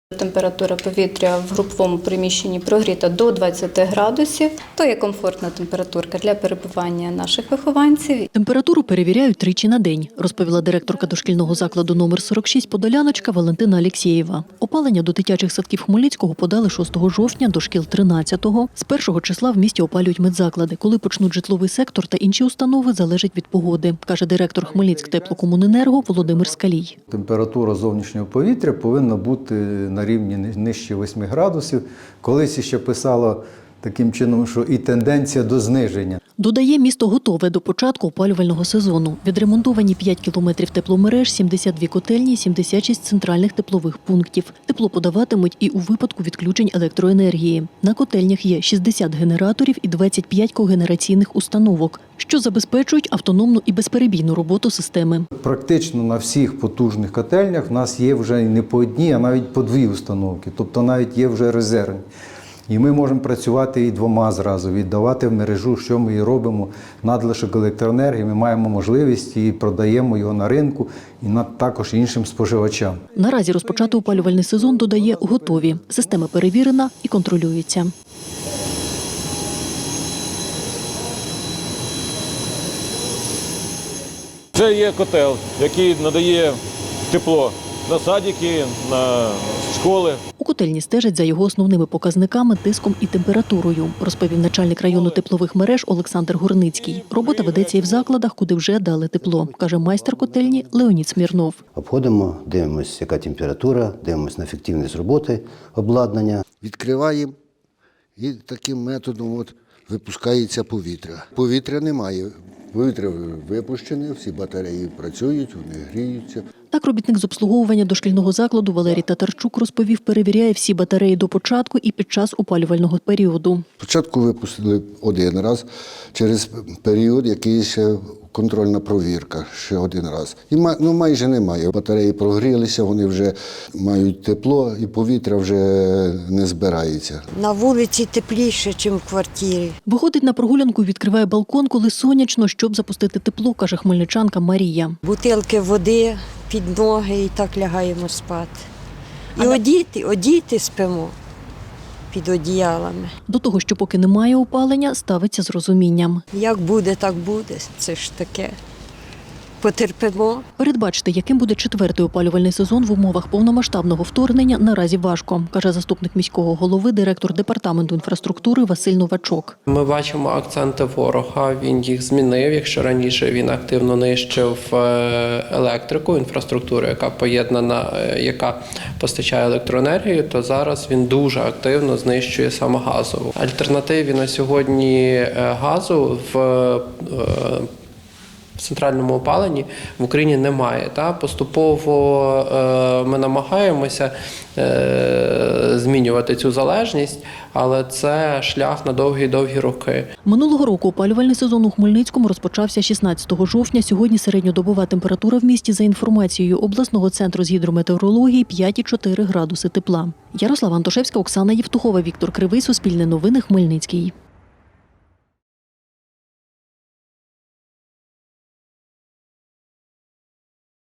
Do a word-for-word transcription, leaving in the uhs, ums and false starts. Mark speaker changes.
Speaker 1: Температура повітря в груповому приміщенні прогріта до двадцяти градусів. То є комфортна температурка для перебування наших вихованців.
Speaker 2: Температуру перевіряють тричі на день, розповіла директорка дошкільного закладу номер сорок шість «Подоляночка» Валентина Алєксєєва. Опалення до дитячих садків Хмельницького подали шостого жовтня, до шкіл тринадцятого. З першого числа в місті опалюють медзаклади. Коли почнуть житловий сектор та інші установи, залежить від погоди, каже директор Хмельницьктеплокомуненерго Володимир Скалій.
Speaker 3: Температура зовнішнього повітря повинна бути на рівні нижче восьми градусів. Колись ще писало таким чином, що і тенденція до зниження.
Speaker 2: Додає, місто готове до початку опалювального сезону. Відремонтовані п'ять кілометрів тепломереж, сімдесят дві котельні, сімдесят шість центральних теплових пунктів. Тепло подаватимуть і у випадку відключень електроенергії. На котельнях є шістдесят генераторів і двадцять п'ять когенераційних установок, що забезпечують автономну і безперебійну роботу системи.
Speaker 3: Практично на всіх потужних котельнях в нас є вже не по одній, а навіть по дві установки. Тобто навіть є вже резервні. І ми можемо працювати і двома зразу, віддавати в мережу, що ми і робимо. Надлишок електроенергії, ми маємо можливість і продаємо його на ринку, і також іншим споживачам.
Speaker 2: Наразі розпочати опалювальний сезон, додає, готові. Система перевірена і контролюється.
Speaker 4: Це є котел, який надає тепло на садики, на школи.
Speaker 2: У котельні стежать за його основними показниками, тиском і температурою, розповів начальник району теплових мереж Олександр Горницький. Робота ведеться і в закладах, куди вже дали тепло, каже майстер котельні Леонід Смірнов.
Speaker 5: Обходимо, дивимося, яка температура, дивимося на ефективність роботи обладнання.
Speaker 6: Відкриваємо і таким методом от випускається повітря. Повітря немає. Повітря випущене, всі батареї працюють, вони гріються.
Speaker 2: Так робітник з обслуговування дошкільного закладу Валерій Татарчук розповів, перевіряє всі батареї до початку і під час опалювального періоду.
Speaker 6: Спочатку випустили один раз, через період якийсь ще контрольна провірка, ще один раз. І ну, майже немає. Батареї прогрілися, вони вже мають тепло і повітря вже не збирається.
Speaker 7: На вулиці тепліше, ніж в квартирі.
Speaker 2: Виходить на прогулянку, відкриває балкон, коли сонячно, щоб запустити тепло, каже хмельничанка Марія.
Speaker 7: Бутилки води під ноги і так лягаємо спати. І а одіти, одіти спимо під одіялами.
Speaker 2: До того, що поки немає опалення, ставиться з розумінням.
Speaker 7: Як буде, так буде. Це ж таке. Потерпимо.
Speaker 2: Передбачити, яким буде четвертий опалювальний сезон в умовах повномасштабного вторгнення, наразі важко, каже заступник міського голови, директор департаменту інфраструктури Василь Новачок.
Speaker 8: Ми бачимо акценти ворога, він їх змінив. Якщо раніше він активно нищив електрику, інфраструктуру, яка поєднана, яка постачає електроенергію, то зараз він дуже активно знищує саме газову. Альтернативі на сьогодні газу в В центральному опаленні в Україні немає. Та? Поступово е, ми намагаємося е, змінювати цю залежність, але це шлях на довгі-довгі роки.
Speaker 2: Минулого року опалювальний сезон у Хмельницькому розпочався шістнадцятого жовтня. Сьогодні середньодобова температура в місті за інформацією обласного центру з гідрометеорології п'ять цілих чотири градуси тепла. Ярослава Антошевська, Оксана Євтухова, Віктор Кривий, Суспільне новини, Хмельницький.